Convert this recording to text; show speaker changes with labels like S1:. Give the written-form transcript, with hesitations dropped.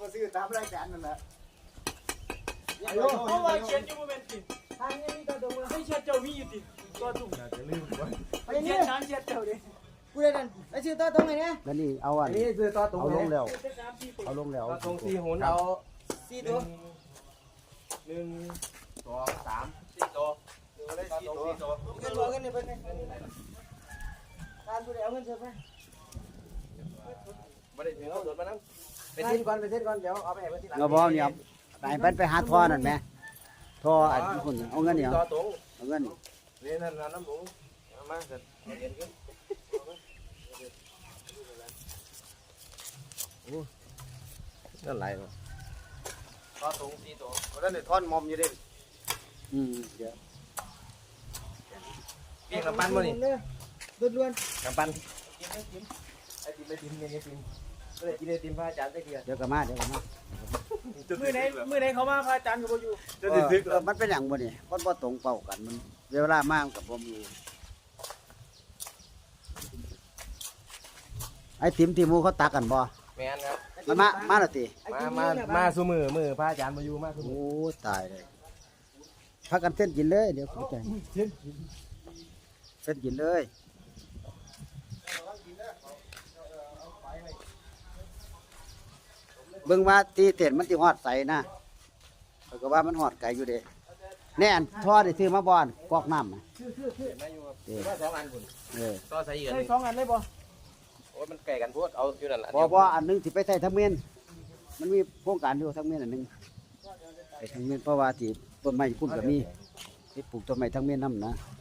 S1: ก็ซื้อตามรายการนั่นแหละ
S2: เพราะว่าเชียนอยู่โมเมนต์ติทางนี้มีตัวตรงให้เชียนเจ้ามีอยู่ติตัวตุ่ม
S1: จะลืมไว้
S2: ไปเชียนช้างเชียนเจ้าดิ
S3: กูได้นั่นไอ้ชื่อตัวตรงไหนเนี่ย
S4: แล้วนี่เอาอัน
S1: นี่ซื้อต่อตรง
S4: เอาลงแล้ว
S2: เชียนช้างพี่
S4: เอาลงแล้ว
S1: ต่อตรง4หุ่นเอา
S3: 4ตัว
S1: 1 2 3 4ตัวเอาได้4ตัว
S3: เงินบ่เงินนี่เพิ่นการกูได้เอาเงินเพิ่นไป
S1: บ่ได้ถึงเอาสดมานำไปเส้นก่อนเดี๋ยวเอาไปให้เพิ่นทีหลัง
S4: เงาบอเนี่ยไปเพิ่นไปหาท่อนั่นแหมท่ออันคนเอาเงินนี่
S1: ต่อตรง
S4: เอาเงินนี่
S1: นี่นั่นน้ำหมูเอามาเสร็จเอาเย็นขึ้นนั่นไหลมาต่อตรง4ตัวเพราะนั่นเนี่ยท่อนมอมอยู่เด้
S4: เดี๋ยว
S1: พี่กำปั้นมานี่
S3: ล้วน
S1: กำปั้นกินไอติมเนี่ยไอติมก็เลยกินไอติมพระอาจารย์ได้เดียว
S4: เดี๋ยวก็มา
S2: มือไหนเขามาพระอาจารย์ก็บ่อยู่
S4: มันเป็นอย่างบ่นี่มันบ่ตรงเป้ากันมันเวลามากกับบ่มีไอ้ติมที่หมูเขาตักกันบ่
S1: แมนครับ
S4: มันมาแล้วติ
S1: มาสู้มือพระอาจารย์มาอยู่มาสู้มื
S4: โอ้
S1: อ
S4: ตายเลยพักกันเส้นกินเลยเดี๋ยวเข้าใจเส้นกินเลยเบิ่งว่าตีเต็นมันสิฮอดใสนะแล้วก็ว่ามันฮอดไกลอยู่เด้แน่นท่อได้ซื้อมาบ่อนกอกน้ำน่ะ
S1: มาอยู่ครับว่า2 อันคุณ ต่อใส่อีกอัน
S2: ได้
S1: นึง
S2: 2 อันเลยบ่
S1: โอ้ยมันไก่กันพูดเอาอยู่นั่นแหละ
S4: บ่อันหนึงสิไปใส่ทั้งเมียนมันมีโครงการอยู่ทั้งเมียนอันหนึงไปทั้งเมียนเพราะว่าที่ต้นไม้พุ่นก็มีที่ปลูกต้นไม้ทั้งเมียนนำนะ
S1: ค